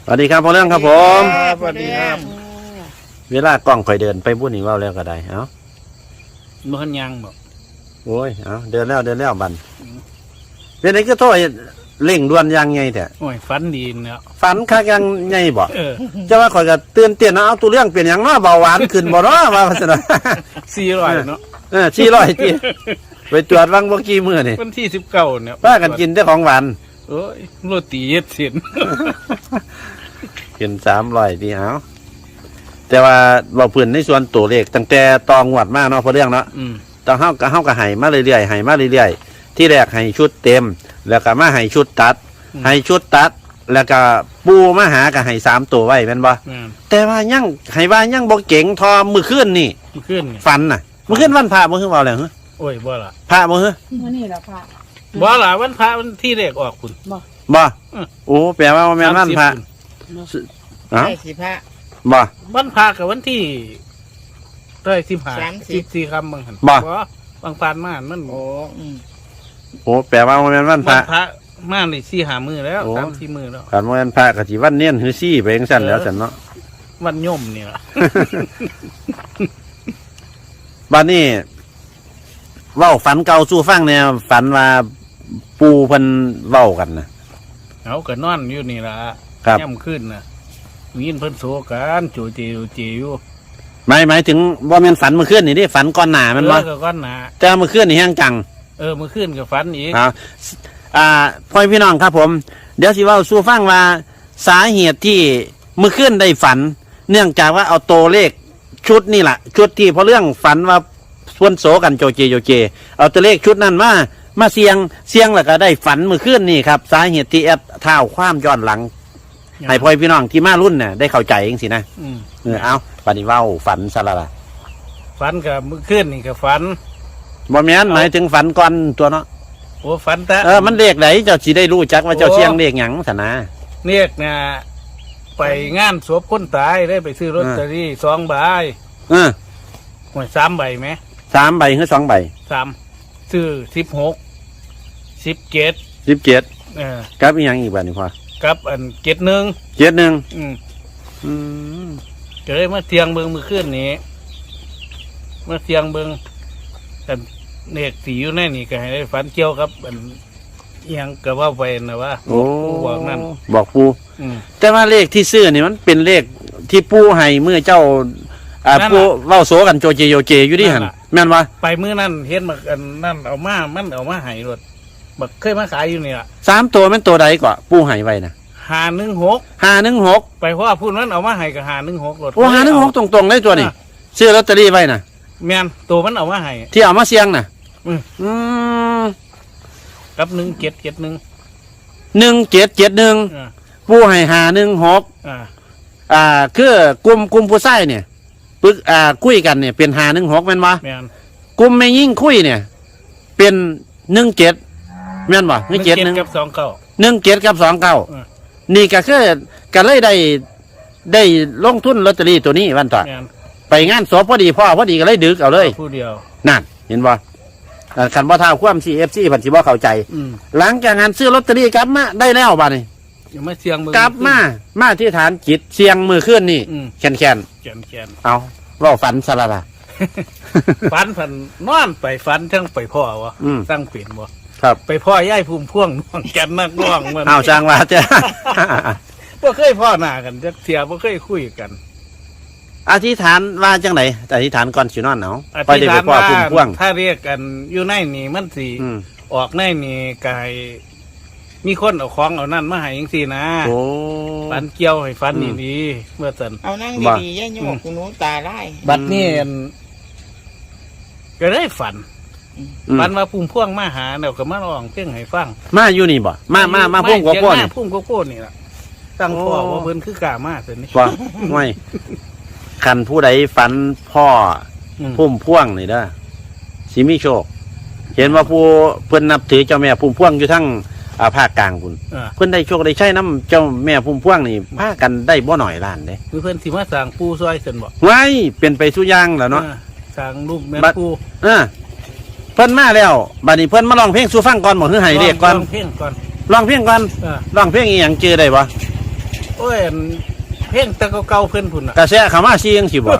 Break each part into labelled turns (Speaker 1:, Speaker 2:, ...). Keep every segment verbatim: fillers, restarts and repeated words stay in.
Speaker 1: สวัสดีครับพ่อเรื่องครับผม
Speaker 2: สวัสดีครับ
Speaker 1: เวลากล้องคอยเดินไปบุญนี่ว่าแล้วก็ได้เอ้า
Speaker 2: มันยังบอก
Speaker 1: โอ้ยเอ้าเดินแล้วเดินแล้วบันเป็นไงก็โทษเร่งด่วนยังไงแต่
Speaker 2: โอ้ยฝันดีเนาะ
Speaker 1: ฝันคักยังไงบ่
Speaker 2: เออ
Speaker 1: จะว่าคอยก็เตือนเตือนนะเอาตัวเรื่องเปลี่ยนอย่างน้อเบาหวานขึ้นบ่เนาะว่าพัสดุ
Speaker 2: สี่ร้อยเนาะ
Speaker 1: เออชี้ร้อยจีไปตรวจวังบ่กี่มื้อนี่
Speaker 2: วันที่สิบเก้าเนี่ย
Speaker 1: ป้ากันกินแต่ของหวาน
Speaker 2: โอ้ยโรตีเย็ดเส้น
Speaker 1: กินสามร้อยทีเอาแต่ว่าเราพื้นในส่วนตัวเลขตั้งแต่ตองหวดมากเนาะเพราะเรื่องเนาะ
Speaker 2: อืม
Speaker 1: ต้องเฮากับเฮากับไห้มาเรื่อยๆไห้มาเรื่อยๆที่แรกไห้ชุดเต็ม แล้วก็มาไห้ชุดตัดไห้ชุดตัด แล้วก็ปูมาหากับไห้สามตัวไว้แม่นบ่
Speaker 2: แม่น
Speaker 1: แต่ว่ายังไห้ว่ายังบ่เก่งทอมือขึ้นนี่
Speaker 2: มันขึ้นนี่
Speaker 1: ฟันน่ะมือขึ้นวันพระมือขึ้นว่าแล้วเหรอ
Speaker 2: โอ้ยบ่ล่ะ
Speaker 1: พระมือเหรอ
Speaker 3: มื่อนี่แหละค่ะ
Speaker 2: บ่ล่ะวันพระวันที่แรกออกคุณ
Speaker 1: บ่
Speaker 2: อืม
Speaker 1: โอ้แปลว่าบ่แม่นวันพระ
Speaker 2: สามสิบ
Speaker 1: เอ้า
Speaker 3: ใช่สิพระ
Speaker 1: บ่
Speaker 2: วันพระกับวันที่เท่าไหร่สิบห้า
Speaker 3: สามสิบ
Speaker 2: สิบสี่คำบางหัน
Speaker 1: บ่
Speaker 2: บางปานมามัน
Speaker 3: โอ้อืม
Speaker 1: โอ้แปลว่าบ่แม่นวันพ
Speaker 2: วั
Speaker 1: ระ
Speaker 2: นพระมาในสี่หามือแล้ว
Speaker 1: โอ้
Speaker 2: สามสี่มือแล้ว
Speaker 1: ขันบ่แม่นพระก็สิวันเนียนหือซี่ไปจังซั่นแล้วซั่นเนาะ
Speaker 2: วันย่อมนี่ล่ะ
Speaker 1: บ้านนี้เว้าฝันเก่าสู่ฟังเนี่ยฝันว่าปูเพิ่นเว้ากันนะ
Speaker 2: เอาก็นอนอยู่นี่ล่ะ
Speaker 1: ครับ
Speaker 2: ย่ำขึ้นน่ะมีนเพิ่นโศกันโจเจโจเจอยู่
Speaker 1: หมายหมายถึงว่าแม่นฝันเมื่อคืนนี่ดิฝันก่อนหน้าแมันบ่
Speaker 2: เออก็ก้อนหนา
Speaker 1: แต่เมื่อคืนนี่แห้งจัง
Speaker 2: เออมือขึ้นกับฟันอีก
Speaker 1: อ่าอ่าพ่อพี่น้องครับผม เดี๋ยวสิเว้าสู่ฟังว่าสาเหตุที่เมื่อคืนได้ฝัน เนื่องจากว่าเอาตัวเลขชุดนี่แหละชุดที่พอเรื่องฝันว่าส่วนโสกันโจเจโจเจ เอาตัวเลขชุดนั้นมามาเสียงเสียงแล้วก็ได้ฝันเมื่อคืนนี่ครับสาเหตุที่แอดเท้าความย้อนหลัง ให้พ่อพี่น้องที่มารุ่นเนี่ยได้เข้าใจเองสินะ
Speaker 2: อืม
Speaker 1: เออเอาปฏิเว้าฝันซะละล่ะ
Speaker 2: ฟันกับมือขึ้นนี่กับฟัน
Speaker 1: บ่แม่นหมายถึงฝันก่อนตัวเนาะ
Speaker 2: โอ้ฟันแต่
Speaker 1: เออมันเลขไหนเจ้าสิได้รู้จักว่าเจ้า
Speaker 2: โอ้
Speaker 1: เชียงเลขหยังสนะ
Speaker 2: เรียกนะไปงานศพคนตายได้ไปซื้อลอตเตอรี่สองใบ
Speaker 1: เออ
Speaker 2: หวยสามใบไหม
Speaker 1: สามใบหรือสองใบ
Speaker 2: สามซื้อสิบหกสิบเจ็ด
Speaker 1: สิบเจ็ด
Speaker 2: เออ
Speaker 1: กับอีกอย่างอีกแบบนี้พอ
Speaker 2: กับอันเจ็ดหนึ่ง
Speaker 1: เจ็ดหนึ่ง
Speaker 2: อืม
Speaker 1: อืม
Speaker 2: ก็เลยมาเทียงเบิงมือขึ้นนี้มาเทียงเบิงกันเนกสีอยู่ในนี่ก็ให้ได้ฝันเกี่ยวกับอันอิหยังก็ว่าไปนะว่า
Speaker 1: โอ้
Speaker 2: บอกนั่น
Speaker 1: บอกปู
Speaker 2: อืม
Speaker 1: แต่ว่าเลขที่ซื้อนี่มันเป็นเลขที่ปูให้เมื่อเจ้า อ่า
Speaker 2: นั่นล่ะ
Speaker 1: ปูเว้าโสกันโจเจโยเจอยู่ดิหัน
Speaker 2: นั่นล่ะ
Speaker 1: แม่นวะ
Speaker 2: ไปมื้อนั้นเห็นบักอันนั่นเอามามันเอามาให้รถบักเคยมาขายอยู่นี่ล่ะ
Speaker 1: สามตัวแม่นตัวใดก็ปูให้ไว้นะ
Speaker 2: หาหนึ่งหก
Speaker 1: ห้าหนึ่งหก
Speaker 2: ไปเพราะว่าพูดมันเอามาให้กับหาหนึ่งหกรถ
Speaker 1: โอ้ห้าหนึ่งหกตรงๆเลยตัวนี้ซื้อลอตเตอรี่ไว้นะ
Speaker 2: แม่นตัวมันเอามาให้
Speaker 1: ที่เอามาเสี่ยงนะ
Speaker 2: อืม
Speaker 1: อืม
Speaker 2: กับหนึ่งเจ็ดเจ็ดหนึ่ง
Speaker 1: หนึ่งเจ็ดเจ็ดหนึ่ง
Speaker 2: อ่า
Speaker 1: ปูให้หาหนึ่งหก
Speaker 2: อ่า
Speaker 1: อ่าคือกลุ่มกลุ่มผู้ชายเนี่ยปึกอ่าคุยกันเนี่ยเป็นหาหนึ่งหกแม่นวะ
Speaker 2: แม่น
Speaker 1: กลุ่มไม่ยิ่งคุยเนี่ย เป็นหนึ่งเจ็ดแม่นวะ
Speaker 2: ห
Speaker 1: หนึ่
Speaker 2: นึ่
Speaker 1: ง
Speaker 2: ง
Speaker 1: เจ็ด
Speaker 2: เจ็ด
Speaker 1: หนึ่ง
Speaker 2: กับสองเก้า
Speaker 1: หนึ่งเจ็ดกับสองเก้า
Speaker 2: อ่า
Speaker 1: นี่ก็คือก็เลยได้ได้ลงทุนลอตเตอรี่ตัวนี้วันต่อ
Speaker 2: แม่น
Speaker 1: ไปงานศพพอดีพ่อพอดีก็เลยดึกเอาเลย
Speaker 2: ผู้เดียว
Speaker 1: นั่นเห็นบ่อ่าคันบ่ท้าความซีเอฟซีผันสิบ่เข้าใจ
Speaker 2: อืม
Speaker 1: หลังจากงานซื้อลอตเตอรี่กลับมาได้แล้วบ้านี้
Speaker 2: อย่ามาเสียงมือก
Speaker 1: ลับมามาที่ฐานจิตเสียงมือขึ้นนี่
Speaker 2: อืม
Speaker 1: แคนแคน
Speaker 2: แกนแกน
Speaker 1: ๆเอาเว่าฝันสละละ
Speaker 2: ฝันฝันนอนไปฝันทั้งไปพ่อวะ
Speaker 1: อืม
Speaker 2: ตั้งเปลี่ยนบ่
Speaker 1: ครับ
Speaker 2: ไปพ่อย่ายภูมิพ่วงน้องแกนนักร้องมัน
Speaker 1: เอาจางว่าจะ
Speaker 2: บ่เคยพ่อหน้ากันจักเทียบ่เคยคุยกัน
Speaker 1: อธิษฐานว่าจังไหนอธิษฐานก่อนสินอนเอา
Speaker 2: อ
Speaker 1: ไป
Speaker 2: ธิษ
Speaker 1: ได้
Speaker 2: ฐา
Speaker 1: ไป
Speaker 2: น
Speaker 1: พ่อ
Speaker 2: ว่า
Speaker 1: พุ่มพ่วง
Speaker 2: ถ้าเรียกกันอยู่ในนี่มันสิ
Speaker 1: อืม
Speaker 2: ออกในนี่กายมีคนเอาของเอานั่นมาให้จังซี่นะ
Speaker 1: โอ้
Speaker 2: ฝันเกี่ยวให้ฝัน
Speaker 1: อืม
Speaker 2: ดีๆเมื่อสัน
Speaker 3: เอานั่ง
Speaker 1: ว่า
Speaker 3: ดีๆย่าโยกคุณหนูตาไล่
Speaker 2: บัดนี้อั่นก็ได้ฝัน
Speaker 1: อืม
Speaker 2: ฝันว่าพุ่มพ่วงมาหาเดี๋ยวก็มาร้องเพลงให้ฟัง
Speaker 1: มาอยู่นี่บ่มามามาพุ่มกว่าพ่อนี่
Speaker 2: พุ่มกว่าพ่อนี่ล่ะตั้งพ่อ
Speaker 1: โอ้
Speaker 2: ว่าเพิ่นคือกล้ามาเสินี่
Speaker 1: ว่าไม่คันผู้ใดฝันพ่อ
Speaker 2: อืม
Speaker 1: พุ่มพ่วงนี่เด้อสิมีโชค เห็นว่าผู้เพิ่นนับถือเจ้าแม่พุ่มพ่วงอยู่ทั้งอ่าภาคกลางพุ่น
Speaker 2: อ่า
Speaker 1: เพิ่นได้โชคได้ใช้น้ำเจ้าแม่พุ่มพ่วงนี่พากันได้บ่หน่อยล้านเด้
Speaker 2: คือเพิ่นสิมาสร้างปูซอยเสินบ่
Speaker 1: ไว้เป็นไปสุอย่างแล้วเนาะ
Speaker 2: อ่าสร้างรูปแม่
Speaker 1: บัด
Speaker 2: ปู
Speaker 1: เออเพิ่นมาแล้วบัดนี้เพิ่นมาร้องเพลงสู่ฟังก่อนบ่คือให้เรียกก่อน
Speaker 2: ร้งเพลงก่อน
Speaker 1: ร้องเพลงก่อน
Speaker 2: อ่า
Speaker 1: ร้องเพลงอีหยังจื้อได้บ่
Speaker 2: โอ้ยอันเพลงแตะเก่าๆเพิ่นพุ่นน่ะ
Speaker 1: กระแสเขามาซียังสิบ่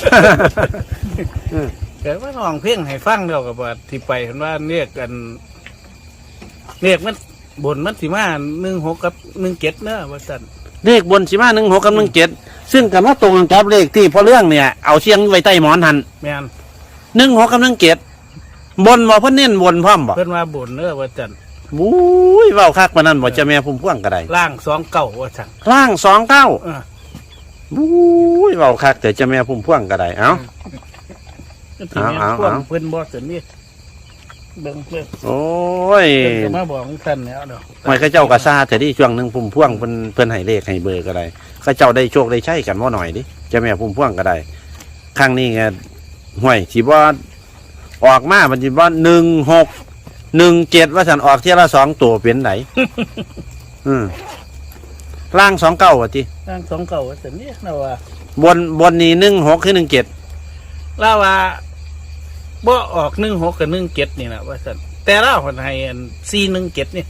Speaker 2: เกิดว่าน้องเพลงให้ฟังแล้วก็ว่าที่ไปเห็นว่าเรียกกันเรียกมันบนมันสิมาหนึ่งหกกับหนึ่งเจ็ดเนอะว่าซั่น
Speaker 1: เลขบนสิมาหนึ่งหกกับหนึ่งเจ็ดซึ่งกันว่าตรงกันกับเลขที่พอเรื่องเนี่ยเอาเสียงไว้ใต้หมอนหัน
Speaker 2: แม่น
Speaker 1: หนึ่งหกกับหนึ่งเจ็ดบนบ่เพิ่นเน้นบนพร้อมบ่
Speaker 2: เพิ่นว่าบนเนอะว่าซั่น
Speaker 1: บุ้ยเว้าคักปานนั้นบ่เจะแม่พุ่มพวงก็ได้
Speaker 2: ล่างสองเก้าว่าซั่น
Speaker 1: ล่างสองเก้า
Speaker 2: เออ
Speaker 1: บุ้ยเว้าคักแต่เจะแม่พุ่มพวงก็ได้เอ้า
Speaker 2: ก็สิแม่น
Speaker 1: เอา
Speaker 2: พวก
Speaker 1: เอา
Speaker 2: เพิ่นบ่ซั่นนี่เบิ่งเบิ่ง
Speaker 1: โอ้ย
Speaker 2: เพิ่นก็มาบอกซั่นแล้วเนาะ
Speaker 1: หอยเข้าเจ้าก็ซาแต่ที่ช่วงหนึงพุ่มพวงเพิ่นเพิ่นให้เลขให้เบอร์ก็ได้เข้าเจ้าได้โชคได้ใช้กันบ่หน่อยดิเจะแม่พุ่มพวงก็ได้ครั้งนี้ไงห้วยสิบ่ออกมามันสิบ่หนึ่งหกหนึ่งเจ็ดว่าสันออกเที่ยละสองตัวเป็นไหน อืมล่างสองเก้าว่ะที
Speaker 2: ล่างสองเก้าว่าซั่นนี่เราว่า
Speaker 1: บนบนนี้หนึ่งหกคือหนึ่งเจ็ด
Speaker 2: ลาว่าบ่ออกหนึ่งหกกับหนึ่งเจ็ดนี่แหละว่าสันแต่เราคนให้อันสี่หนึ่งเจ็ดนี่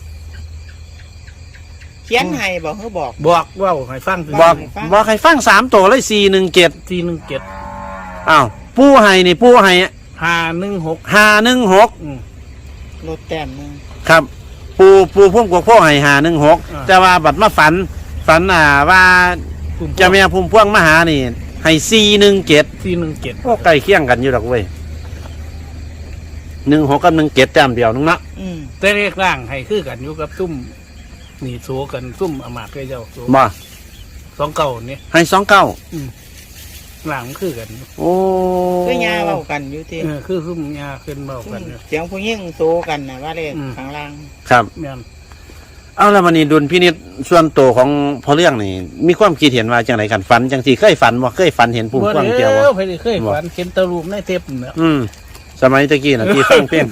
Speaker 3: เขียนให้บอกเขาบอก
Speaker 2: บอกว่าให้ฟังถึง
Speaker 1: บอก
Speaker 3: ให้ฟัง
Speaker 1: บอกให้ฟังสามตัวเลยสี่หนึ่งเจ็ด
Speaker 2: สี่หนึ่งเจ็ด
Speaker 1: อ้าวปู้ให้นี่ปู้ให้
Speaker 2: ห้าหนึ่งหก
Speaker 1: หาหนึ่งหก
Speaker 3: ลดแต้มหนึง
Speaker 1: ครับ ปูปูพุ่มกวกพ่อให้หาหนึ่งหกแต่ว่าบัดมาฝัน ฝันอ่าว่าเจะแม่พุ่มพวงมาหานี่ ให้สี่หนึ่งเจ็ด
Speaker 2: สี่หนึ่งเจ็ด
Speaker 1: โอ้ใกล้เคียงกันอยู่ดอกเว้ยหนึ่งหกกับหนึ่งเจ็ดแต้มเดียวนึงเนาะ
Speaker 3: อืม
Speaker 2: แต่เรียกร่างให้คือกันอยู่กับซุ่มหนีโซกันซุ่มอามาตย์เจ้าโซ
Speaker 1: บ่
Speaker 2: สองเก้านี่
Speaker 1: ให้สองเก้า
Speaker 2: ร่างมันคือกันอยู่
Speaker 1: โอ้
Speaker 3: คือยาเว้ากันอยู่ที่
Speaker 2: เออคือซุ่มยาขึ้นเบากันอยู่
Speaker 3: เสียงผู้หญิงโซกันนะว่าเลข
Speaker 2: อืม
Speaker 3: ข้างล่าง
Speaker 1: ครับ
Speaker 2: แม่น
Speaker 1: เอาแล้วมันนี่ดุลพินิจส่วนตัวของพอเรื่องนี่มีความคิดเห็นว่าจังไรกันฝันจังสีเคยฝันบ่เคยฝันเห็นพุ่มพวงเจียว
Speaker 2: บ่
Speaker 1: บ่
Speaker 2: แล้วไปเคยฝันเห็นตะรูปในเทปเนี่ย
Speaker 1: อืมสมัยตะกี้น่ะที่ฟังเพลง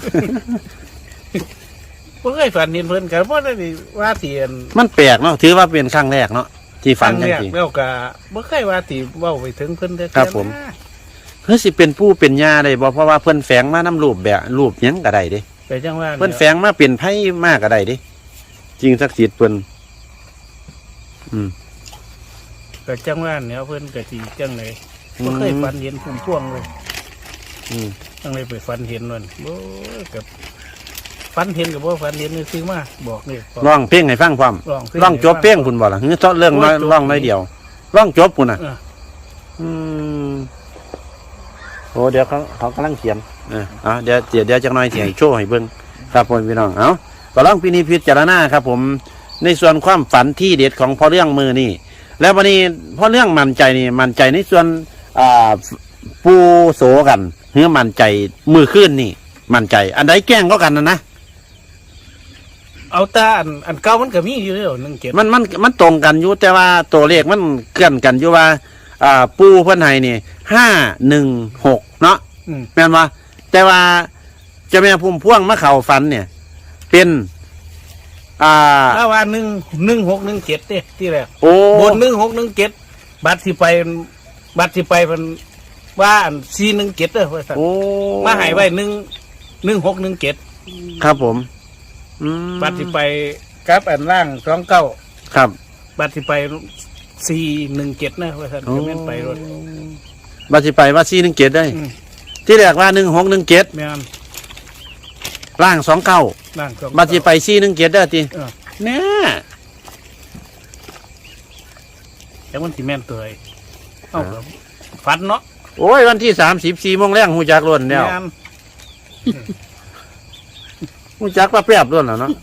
Speaker 2: บ่เคยฝันเห็นเพิ่นกันบ่ได้ว่าเสียน
Speaker 1: มันแปลกเนาะถือว่าเป็นครั้งแรกเนาะที่ฝันจัง
Speaker 2: แรก
Speaker 1: สี
Speaker 2: แล้วก็บ่เคยว่าติเว้าไปถึงเพิ่นเด้อ
Speaker 1: ครับผม เฮ้ยสิเป็นผู้เป็นญาได้บ่เพราะว่าเพิ่นแฝงมานํรูปแบบรูปหยังก็ได้เด้
Speaker 2: ไปจังว่า
Speaker 1: เพิ่นแฝงมาเป็นไผมากก็ได้เด้จริงศักดิ์สิทธิ์เพิ่นอืม
Speaker 2: ก็จังว่าเนี่ยเพิ่นก็สิจังได๋บ่เคยฝันเห็นพุ่มพวงเลย
Speaker 1: อืม
Speaker 2: จังได๋ไปฝันเห็นมันโอ้ยกับฝันเห็นก็บ่ฝันเห็นซื้อมาบอกนี่
Speaker 1: ร้องเพลงให้ฟังพร้อม
Speaker 2: ร้องเพลง
Speaker 1: ร้องจบเพลงพุ่นบ่ล่ะหรือเจาะเรื่องน้อยร้องน้อยเดียวร้องจบพุ่นน่ะ
Speaker 2: เออ
Speaker 1: อืมโอ้เดี๋ยวเขาเขากำลังเขียนเออเอาเดี๋ยวเดี๋ยวเดี๋ยวจักหน่อยเสียงโชว์ให้เบิ่งครับผมพี่น้องเอาก็ลองพินิจพิจารณาครับ ผมในส่วนความฝันที่เด็ดของพ่อเรื่องมือนี่แล้ววันนี้พ่อเรื่องมั่นใจนี่มั่นใจในส่วนอ่าปูโสกันเฮือมั่นใจมือขึ้นนี่ มั่นใจ อันใดแกล้งก็กันนะนะ
Speaker 2: เอาแตาอันอันเก่ามันก็มีอยู่แล้วหนึ่งเจ็ด
Speaker 1: มันมันมันตรงกันอยู่แต่ว่าตัวเลขมันเคลื่อนกันอยู่ว่า อ่า ปูเพื่อนไห้นี่ห้าหนึ่งหกเนาะ
Speaker 2: อืม
Speaker 1: แม่นว่าแต่ว่าเจะแม่พุ่มพวงมะเข่าฟันเนี่ย เป็น อ่า
Speaker 2: ถ้าว่าหนึ่งหนึ่งหกหนึ่งเจ็ดเด้ที่แรก
Speaker 1: โอ้
Speaker 2: บนหนึ่งหกหนึ่งเจ็ดบัตรสิไปบัตรสิไปมันว่าอันสี่หนึ่งเจ็ดเด้อว่าซั่น
Speaker 1: โอ้
Speaker 2: มาใหายไว้หนึ่งหนึ่งหกหนึ่งเจ็ด
Speaker 1: ครับผมอืม
Speaker 2: บัตรสิไปกับอันล่างสองเก้า
Speaker 1: ครับ
Speaker 2: บัตรสิไปสี่หนึ่งเจ็ดนะว่าท่านจะแม่นไปรถ
Speaker 1: บัตรสิไปว่าซีหนึ่งเจ็ดได้
Speaker 2: อืม
Speaker 1: ที่แรกว่าหนึ่งหกหนึ่งเจ็ด
Speaker 2: แม่น
Speaker 1: ล่างสองเก้า
Speaker 2: ล่างสอง
Speaker 1: บัตรสิไปซีหนึ่งเจ็ดได้ที
Speaker 2: เออ
Speaker 1: แน่
Speaker 2: แต่มันสิแม่นตัวไอ้เอากับฟันเนาะ
Speaker 1: โอ้ยวันที่สามสิบสี่โมงแรงหูจักล้วนแล้ว
Speaker 2: แม่น
Speaker 1: หูจักว่าแปรบล้วนแล้วเนาะ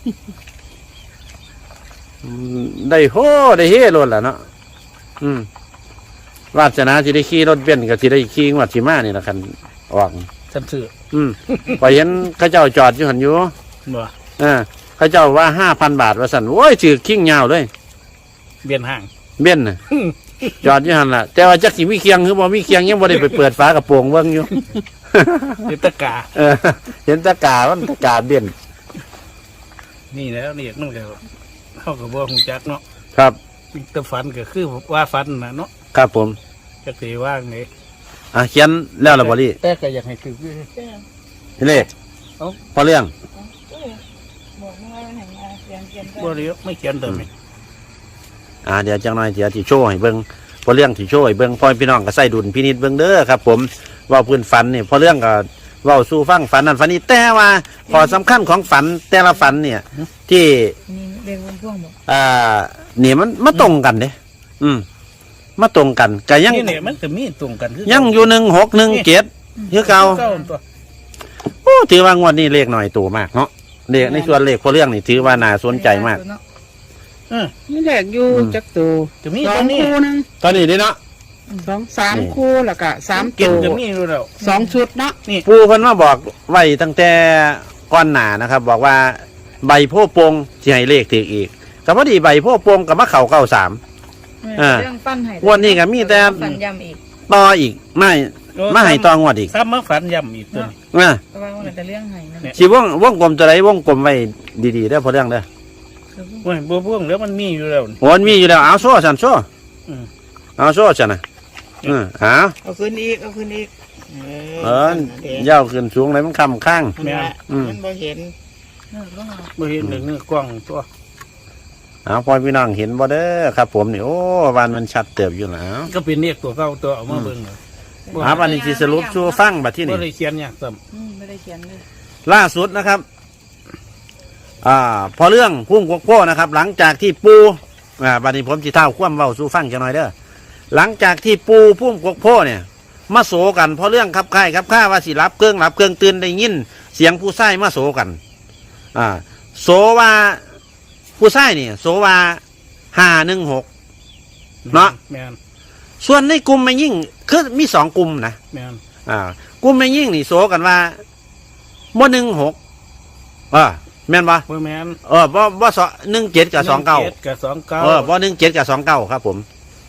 Speaker 1: อืมได้โหได้เฮ่ล้วนแล้วเนาะอืมวาสนาที่ได้ขี่รถเบนซ์กับที่ได้ขี่งวัดสีมานี่ละคันออก
Speaker 2: ฉันซื้อ
Speaker 1: อืม พอเห็นเข้าเจ้าจอดอยู่หันอยู่
Speaker 2: บ่
Speaker 1: เออเข้าเจ้าว่าห้าพันบาทว่าสันโอ้ยถือขิ้งยาวเลย
Speaker 2: เบียนห่าง
Speaker 1: เบนซ์น่ะ จอดอยู่หันล่ะ แต่ว่าจักสิมีเคียงหรือบ่มีเคียงยังบ่ได้ไปเปิดฝากระโปรงเบิ่งอยู่
Speaker 2: เห็นตะกา
Speaker 1: เออ เห็นตะกามันตะกาเบนซ์
Speaker 2: นี่แล้วนี่นั่นก็เขากับบ่หูจักเนาะ
Speaker 1: ครับ
Speaker 2: แต่ฝันก็คือว่าฝันนะเนาะ
Speaker 1: ครับผม
Speaker 2: จะสิว่าไง
Speaker 1: อ่ะเขียนแล้วล่ะบ่ลี่
Speaker 2: แต่ก็อยากให้ถืออยู่
Speaker 1: เลข
Speaker 2: เอ้า
Speaker 1: พอเรื่อง
Speaker 3: บอกว่าให้มาเขียนเขียน
Speaker 2: บ่เรียกไม่เขียนตัวนี้
Speaker 1: อ่าเดี๋ยวจังหน่อยเดี๋ยวที่โชว์ให้เบิ่งพอเรื่องที่โชว์ให้เบิ่งพ่อพี่น้องก็ใส่ดุลพินิจเบิ่งเด้อครับผมเว่าพื้นฝันนี่พอเรื่องก็เว้าสู่ฟังฝันนั้นฝันนี้แต่ว่าขอสำคัญของฝันแต่ละฝันเนี่ย ที่
Speaker 4: นี่เรียกวงพ่วงบอก
Speaker 1: อ่าเนี่ยมันมาตรงกันเด้อืมมาตรงกันก็ยัง
Speaker 2: นี่เนี่ยมันก็มีตรงกันคือ
Speaker 1: ยังอยู่หนึ่งหกหนึ่งเจ็ดคือเก่า
Speaker 2: เก้าตัว
Speaker 1: โอ้ถือว่างวดนี้เลขหน่อยตัวมากเนาะเลขในส่วนเลขพอเรื่องนี่ถือว่าน่าสนใจมาก
Speaker 2: เออ
Speaker 3: นี่แหละอยู่จักตัว
Speaker 2: จะมี
Speaker 3: สอ
Speaker 2: ตัว
Speaker 3: ง
Speaker 2: นี้
Speaker 3: คู่นึง
Speaker 1: ตอนนี้นี่เนาะ
Speaker 3: สองสามคู่แล้วก็สาม
Speaker 2: เก็บ
Speaker 3: ตัว
Speaker 2: จะมีอยู่แล้ว
Speaker 3: สองชุดเนาะ
Speaker 2: นี่
Speaker 1: ปูเพิ่นมาบอกไว้ตั้งแต่ก้อนหนานะครับ บอกว่าใบโพธิ์โปงสิให้เลขถืออีกก็พอดีใบโพธิ์โปงกับมะเข่าเก้าสาม อ่า
Speaker 4: เรื่องปั้นไห้
Speaker 1: วันนี้ก็มีแต่
Speaker 4: ฝันยำอีก
Speaker 1: ต่ออีกไม่มาให้ต่องวดอีก
Speaker 2: ซ้ำมาฝันย่ำอีกตัวนี้
Speaker 1: นะ
Speaker 4: แต่ว่าวันแต่เรื่องไห้นั่น
Speaker 2: เนี่ย
Speaker 1: สิวงวงกลมจะไรวงกลมไว้ดีๆเด้อพอเรื่องเด้อ
Speaker 4: คือ
Speaker 2: โอ้ยบัวพ่วงแล้วมันมีอยู่แล้วนี่
Speaker 1: โอนมีอยู่แล้วเอาโซ่สันโซ่
Speaker 2: อืม
Speaker 1: เอาโซ่สันนะอืมเอา
Speaker 3: เอาขึ้นอีกเอาขึ้นอีก
Speaker 1: เออเย้าขึ้นสูงเลยมันคำข้าง
Speaker 3: มันว่า
Speaker 1: อืม
Speaker 3: มันบ่เห็น
Speaker 4: เออต้องเอา
Speaker 2: บ่เห็นเลยเนื้อกล้องตัว
Speaker 1: เอาพอพี่น้องเห็นบ่เด้อครับผมนี่โอ้วันมันชัดเติบอยู่แล้ว
Speaker 2: ก็เป็นเรียกตัวเก้าตัวเอามาเบิ่งเลย
Speaker 1: หาวันนี้สิสรุปชูฟังบัดที่
Speaker 2: บ่
Speaker 1: นี่
Speaker 2: ได้เขียนยากซ้
Speaker 4: อืมไม่ได้เขียนเลย
Speaker 1: ล่าสุดนะครับ อ่า พอเรื่องพุ่งกกโก้นะครับ หลังจากที่ปูอ่าบัดนี้ผมสิเท่าคว่ำเว้าสู่ฟังจังหน่อยเด้อหลังจากที่ปูพุ่มกกโก้เนี่ย มาโศกันเพราะเรื่องขับค่ายขับข้าว่าสิรับเครื่องรับเครื่องตื่นได้ยินเสียงผู้ชายมาโศกัน อ่า โศว่าผู้ชายนี่โศว่าห้าหนึ่งหก
Speaker 2: ำ
Speaker 1: เนาะ
Speaker 2: แม่น
Speaker 1: ส่วนในกลุ่มไม่ยิ่งคือมีสองกลุ่มนะ
Speaker 2: แม่น
Speaker 1: อ่ากลุ่มไม่ยิ่งนี่โศกันว่าบ่หนึ่งหกเออแม่นปะ
Speaker 2: บ่แม่น
Speaker 1: เออบ่บ่สองหนึ่งเจ็ดกับสองเก้า
Speaker 2: หนึ่จ็ดกับสองเก้า
Speaker 1: เออบ่หนึ่งเจ็ดกับสองเก้าครับผม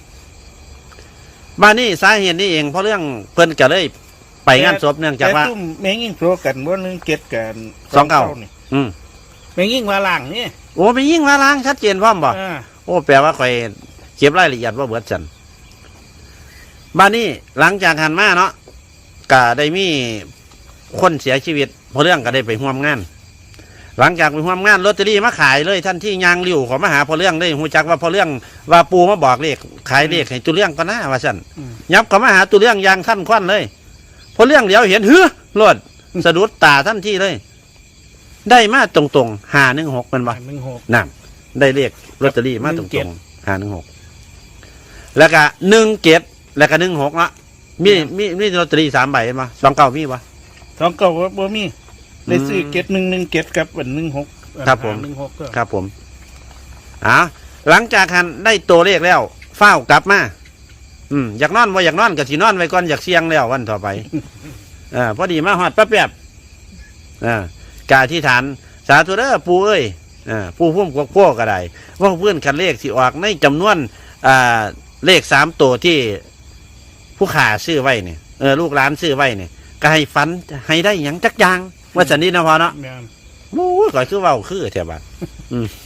Speaker 1: บ้านนี้สาเหตุนี้เองเพราะเรื่องเพิ่นก็เลยไปงานศพเนื่องจากว่า
Speaker 2: แต่ซุ่มแม่งยิ่งโซกันบ่หนึ่งเจ็ดกัน
Speaker 1: สองเก้า
Speaker 2: นี่
Speaker 1: อืม
Speaker 2: แม่งยิ่งว่าล่างนี่
Speaker 1: โอ้ไปยิ่งมาล้างชัดเจนพร้อมบ่
Speaker 2: อ่า
Speaker 1: โอ้แปลว่าคอยเก็บรายละเอียดว่าเบิดจันบ้านนี้หลังจากหันมาเนาะก็ได้มีคนเสียชีวิตเพราะเรื่องก็ได้ไปร่วมงาน หลังจากไปร่วมงานลอตเตอรี่มาขายเลยท่านที่ยางริ้วเขอมาหาพอเรื่องได้หูจักว่าพอเรื่องว่าปูมาบอกเลขขายเลขให้ตัวเรื่องก็น่าว่าสั่น
Speaker 2: อืม
Speaker 1: ยับเขามาหาตัวเรื่องยางท่านควันเลยพอเรื่องเดี๋ยวเห็นเฮ้อรถสะดุดตาท่านที่เลย ได้มาตรงๆหาหนึ่งหกเป็นบ่
Speaker 2: หนึ่งหก
Speaker 1: นั่นได้เลขลอตเตอรี่มาต
Speaker 2: หนึ่
Speaker 1: รง
Speaker 2: งเจ็ด
Speaker 1: ๆหาหนึ่งหกแล้วก็หนึ่งเจ็ดแล้วก็หนึ่งหกละมีมีมีลอตเตอรี่สามใบเห็นบ่สองเก้ามีบ่
Speaker 2: สองเก้าบ่มีได้ซื้อเจ็ดหนึ่งหนึ่งเจ็ดกับอันหนึ่งหก
Speaker 1: ครับผม
Speaker 2: หนึ่งหกก็
Speaker 1: ครับผมอ่าหลังจากหันได้ตัวเลขแล้วเฝ้าวกลับมาอืมอยากนอนว่าอยากนอนก็สินอนไว้ก่อนอยากเสียงแล้ววันต่อไปอ่าพอดีมาหอดแป๊บๆอ่ากาที่ฐานสาธุเด้อปูเอ้ยอ่าปูพุ่มกวกพวกก็ได้ว่าเพื่อนคันเลขสิออกในจำนวนอ่าเลขสามตัวที่ผู้ขาซื้อไว้เนี่ยเออลูกหลานซื้อไว้เนี่ยก็ให้ฝันให้ได้หยังจักอยางว่าสันนี้นะพอเนาะ
Speaker 2: แม่น
Speaker 1: โอ้ยก่อยคือเว่าคือแถวบ้านอืม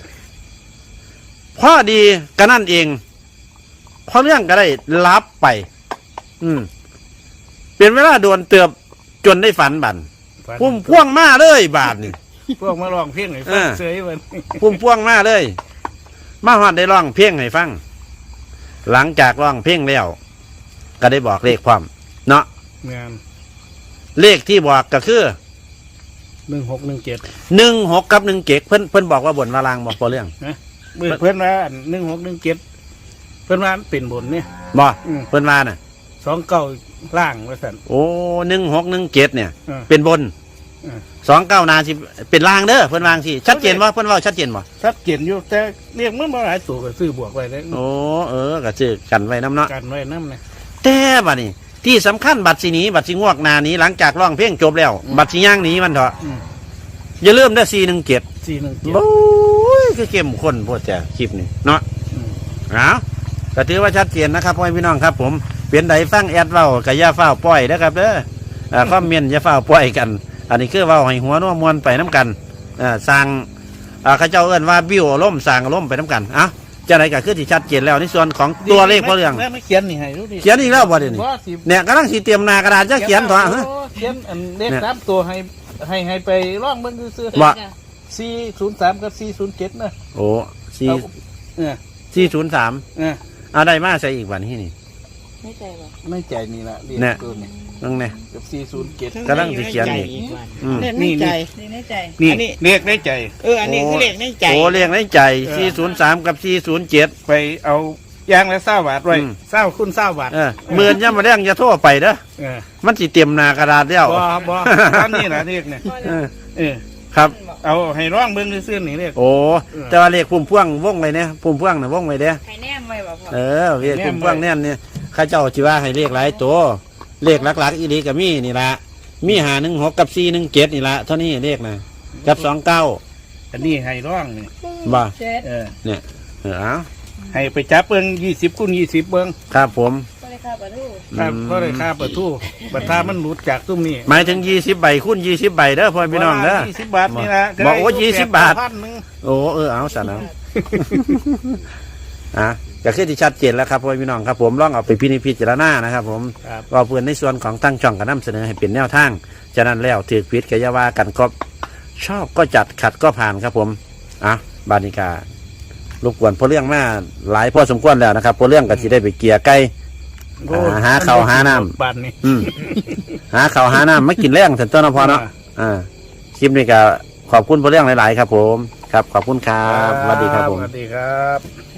Speaker 1: พ่อดีก็นั่นเองพอเรื่องก็ได้รับไป อืมเป็นเวลาโดนเตือบจนได้ฝันบัน
Speaker 2: ฝัน
Speaker 1: พุ่มพ่วงมาเลยบาทนี่
Speaker 2: พวกมาลองเพียงให้ฟัง
Speaker 1: เออ
Speaker 2: เสยมัน
Speaker 1: พุ่มพ่วงมาเลย มาฮอดได้ร้องเพลงให้ฟัง หลังจากร้องเพลงแล้วก็ได้บอกเลขความ เนาะ
Speaker 2: แม่น
Speaker 1: เลขที่บอกก็คือ
Speaker 2: หนึ่งหกหนึ่งเจ็ด
Speaker 1: หนึ่งหกกับหนึ่งเจ็ดเพิ่นเพิ่นบอกว่าบนวาลางบอกพอเรื่อง
Speaker 2: เพื่อนเพื่อนว่าหนึ่งหกหนึ่งเจ็ดเพื่อนว่าเป็นบนเนี่ย
Speaker 1: บ่
Speaker 2: อืม
Speaker 1: เพิ่นมาน่ะ
Speaker 2: สองเก้าล่างว่าสัน
Speaker 1: โอ้หนึ่งหกหนึ่งเจ็ดเนี่ย
Speaker 2: เออ
Speaker 1: เป็นบน
Speaker 2: เออ
Speaker 1: สองเก้านาสิเป็นลางเด้อเพิ่นวางสิชัดเจนว่าเพิ่นเว่าชัดเจนบ่
Speaker 2: ชัดเจนอยู่แต่เรียกมันมาหลายตัวก็ซื้อบวกไว้เลย
Speaker 1: โอ้เออก็ชื่อกันไว้น้ำเนาะ
Speaker 2: กันไว้น้ำเนี่ย
Speaker 1: แต่บัดนี้ ที่สำคัญบัตรสีหนีบัตรสีงวกหนาหนี้หลังจากร้องเพลงจบแล้ว บัตรสีย่างหนีมันเถอะ
Speaker 2: อืม
Speaker 1: อย่าลืมได้สี่หนึ่งเจ็ด
Speaker 2: สี่หนึ่งเจ็ด
Speaker 1: โอ้ยคือเข้มข้นโพดแต่คลิปนี้เนาะ
Speaker 2: อืม
Speaker 1: เอาก็ถือว่าชัดเจนนะครับพ่อพี่น้องครับ ผมเปลี่ยนใดฟังแอดเว้ากับย่าเฝ้าปล่อยนะครับเด้ออ่าคอมเมนต์อย่าเฝ้าปล่อยกัน อันนี้คือเว้าให้หัวนัวมวลไปน้ำกันอ่าสร้างอ่าเขาเจ้าเอิ้นว่าบิ้วอารมณ์สร้างอารมณ์ไปน้ำกันเอ้าจะไหนก็คือที่ชัดเจนแล้วในส่วนของตัวเลขพ่อเรื่อง
Speaker 2: แล้วไม่เขียนนี่ให้ดูดิ
Speaker 1: เขียนอีกแล้วบ่เดี๋ยวนี้
Speaker 2: ว่าสิ
Speaker 1: เนี่ยกำลังสีเตรียมหนากระดาษจะเขียนถอะฮะ
Speaker 2: โเขียนอันเลข
Speaker 1: เนี่ย
Speaker 2: สามตัวให้ให้ให้ไปร่องเบิ่งซื้อ
Speaker 1: ว่า
Speaker 2: สี่ศูนย์สามกับสี่ศูนย์เจ็ดนะ
Speaker 1: โอ้สี่
Speaker 2: เอาเนี่ย
Speaker 1: สี่ศูนย์สาม
Speaker 2: เออ
Speaker 1: เอาได้มาใส่อีกวันที่นี่
Speaker 4: ไม่ใจบ่
Speaker 2: ไม่ใจนี่ละเรียก
Speaker 1: เนี่ย
Speaker 2: ตัวนี้
Speaker 1: นั่งเนี่ย
Speaker 2: กับสี่ศูนย์เจ็ด
Speaker 1: กำลังสิเขียนอีก อืม
Speaker 3: เลขในใจ
Speaker 4: ดีในใจ
Speaker 2: นี่
Speaker 3: อันนี้
Speaker 2: เรียกได้ใจ
Speaker 3: เอออันนี้คือเลขในใจ
Speaker 1: โอ้เรียงในใจสี่ศูนย์สามกับสี่ศูนย์เจ็ด
Speaker 2: ไปเอายางและเศร้าบาทไว้
Speaker 1: อืม
Speaker 2: เศร้าคุณเศร้าบาท
Speaker 1: เออหมื่นย่ำมาเรียงจะโทรไปเด้อ
Speaker 2: เออ
Speaker 1: มันสิเต็มหนากระดาษแล้ว
Speaker 2: บ่บ่ตอนนี้นะเรียกเนี่ย
Speaker 1: เออ
Speaker 2: เออ
Speaker 1: ครับ
Speaker 2: เอาให้ร้องเบิ้งซื่อๆนี่เรียก
Speaker 1: โอ้แต่ว่าเลขพุ่มพ่วงวงไว้เนี่ยพุ่มพ่วงน่ะวงไว้เด้อ
Speaker 4: ไข่แนมไว้บ่พ่อ
Speaker 1: เออเลขพุ่มพ่วงแน่นเนี่ยข้าเจ้าจิว่าให้เลขหลายตัวเลขหลักๆอีหลีกับมีนี่ละมีหาหนึ่งหกกับสี่หนึ่งเจ็ดนี่ละเท่านี้เลขนะกับสองเก้า
Speaker 2: อันนี้ให้ร้องนี่
Speaker 1: บ่
Speaker 4: เจ็ด
Speaker 2: เออ
Speaker 1: เนี่ยเออเอา
Speaker 2: ให้ไปจับเบิ้งยี่สิบคูณยี่สิบเบิ้ง
Speaker 1: ครับผม
Speaker 4: ก็เลยค่าประตู
Speaker 2: ครับ
Speaker 1: อืม
Speaker 2: ก็เลยค่าประตูบัตรทามันหลุดจากตุ้มนี่
Speaker 1: หมายถึงยี่สิบใบคูณยี่สิบใบเด้อพ่อพี่น้องเด้อ
Speaker 2: ยี่สิบบาทนี่นะ
Speaker 1: บอกโอ้ยี่สิบบาท
Speaker 2: พันหนึ่ง
Speaker 1: โอ้เออเอาสันเอา อ่ะก็คือที่ชัดเจนแล้วครับพ่อพี่น้องครับผมลองเอาไปพินิจพิจารณานะครับ ผม
Speaker 2: ครับ
Speaker 1: ว่าเพื่อนในส่วนของตั้งช่องก็นำเสนอให้เป็นแนวทางฉะนั้นแล้วถือพิษกอยาว่ากันก็ชอบก็จัดขัดก็ผ่านครับผมอ่ะบานิการบกวนพอเรื่องมาหลายพอสมควรแล้วนะครับพอเรื่องก็สิได้ไปเกลียไก่
Speaker 2: โอ้
Speaker 1: อ่าหาข้าวหาน้ำ
Speaker 2: บาทนี่
Speaker 1: อืมหาข้าวหาน้ำไม่กินแรงถึงต้นนพอเนาะอ่าคลิปนี้ก็ขอบคุณพอเรื่องหลาย ๆ ครับ ผมครับขอบคุณครับสวัสดีครับผม
Speaker 2: สวัสดีครับ